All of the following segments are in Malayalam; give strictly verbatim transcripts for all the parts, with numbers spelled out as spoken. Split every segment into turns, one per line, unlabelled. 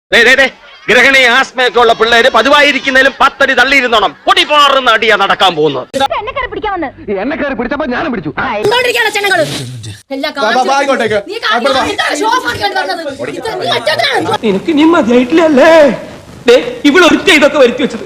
ഗ്രഹണി ആസ്മയൊക്കെ ഉള്ള പിള്ളേര് പതിവായിരിക്കുന്നതിലും പത്തടി തള്ളിയിരുന്നോണം പൊടിപാറുന്ന അടിയാ നടക്കാൻ പോകുന്നത്.
എന്നെ കയറി പിടിച്ചപ്പോ ഞാനും പിടിച്ചു.
എനിക്ക് നീ മതിയായിട്ടില്ലല്ലേ ഇവളൊരുത്ത ഇതൊക്കെ വരുത്തി വെച്ചത്.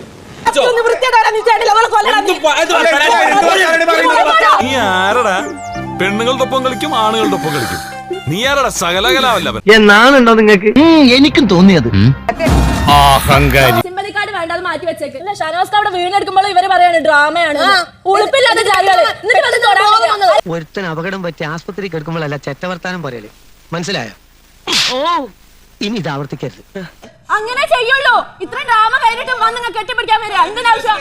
നീ ആരടാ പെണ്ണുങ്ങളുടെ ഒപ്പം കളിക്കും ആണുങ്ങളുടെ ഒപ്പം കളിക്കും? നീ ആരടാ സകലകലാവല്ലവൻ
എന്നാണുണ്ടോ നിങ്ങൾക്ക്? എനിക്കും തോന്നിയത്
സിമ്പതിക്കാട് വേണ്ട, അത് മാറ്റി വെച്ചേക്ക്. ഷാനവാസ് അവിടെ വീണെടുക്കുമ്പോൾ ഇവര് പറയാണ് ഡ്രാമയാണ്, ഉളുപ്പില്ലാത്ത ജാലികള്.
ഒരുത്തൻ അപകടം പറ്റി ആസ്പത്രിക്ക് എടുക്കുമ്പോഴല്ല ചെറ്റവർത്താനം പറയല്, മനസ്സിലായോ? ഇനി ഇത് ആവർത്തിക്കരുത്.
അങ്ങനെ ചെയ്യുള്ളൂ. ഇത്ര ഡ്രാമ കഴിഞ്ഞിട്ട് വന്ന് നിങ്ങൾ കെട്ടിപ്പിടിക്കാൻ വരിക എന്തിനാവശ്യം?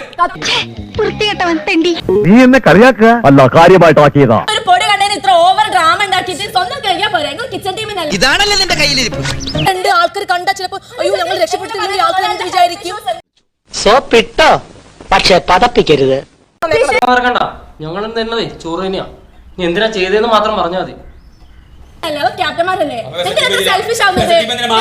നീ എന്നെ കളിയാക്കുക അല്ല, കാര്യമായിട്ടാക്കിയതാ.
ഒരു പൊടി കണ്ടതിന് ഇത്ര ഓവർ ഡ്രാമ ഉണ്ടാക്കിയിട്ട് സ്വന്തം കഴിയാൻ പോരാ. നിങ്ങൾ കിച്ചൺ ടീമിനല്ല.
ഇതാണല്ലേ നിന്റെ കയ്യിലിരിപ്പ്.
രണ്ട് ആൾക്കാർ കണ്ടാ ചിലപ്പോ അയ്യോ ഞങ്ങൾ രക്ഷപ്പെടുത്തില്ലെങ്കിൽ ആൾക്കാർ എന്ത് വിചാരിക്കും?
സോപ്പിട്ടോ, പക്ഷെ പതപ്പിക്കരുത്.
ഞങ്ങൾ തന്നതേ ചോറ് തന്നെയാ. നീ എന്തിനാ ചെയ്തതെന്ന് മാത്രം പറഞ്ഞാൽ മതി.
ക്യാപ്റ്റന്മാരല്ലേ എന്തിനാ സെൽഫിഷ് ആവുന്നത്?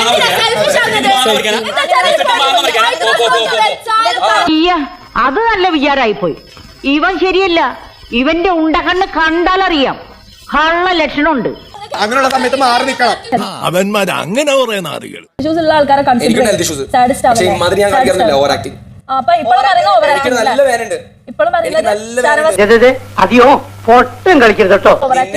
അത് നല്ല വിചാരായി പോയി. ഇവൻ ശരിയല്ല. ഇവന്റെ ഉണ്ടകണ്ണ് കണ്ടാലറിയാം കള്ള ലക്ഷണമുണ്ട്.
അങ്ങനെയുള്ള സമയത്ത് മാറി നിൽക്കണം.
അവന്മാർ അങ്ങനെ പറയുന്ന ആളുകൾ
ഉള്ള ആൾക്കാരെ
അതെയോ പൊട്ടും കളിക്കരുത് കേട്ടോ.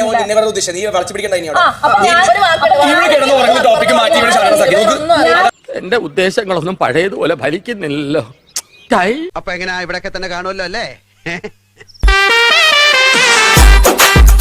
എന്റെ ഉദ്ദേശങ്ങളൊന്നും പഴയതുപോലെ ഫലിക്കുന്നില്ലല്ലോ.
അപ്പൊ എങ്ങനെയാ ഇവിടെയൊക്കെ തന്നെ കാണുമല്ലോ അല്ലേ?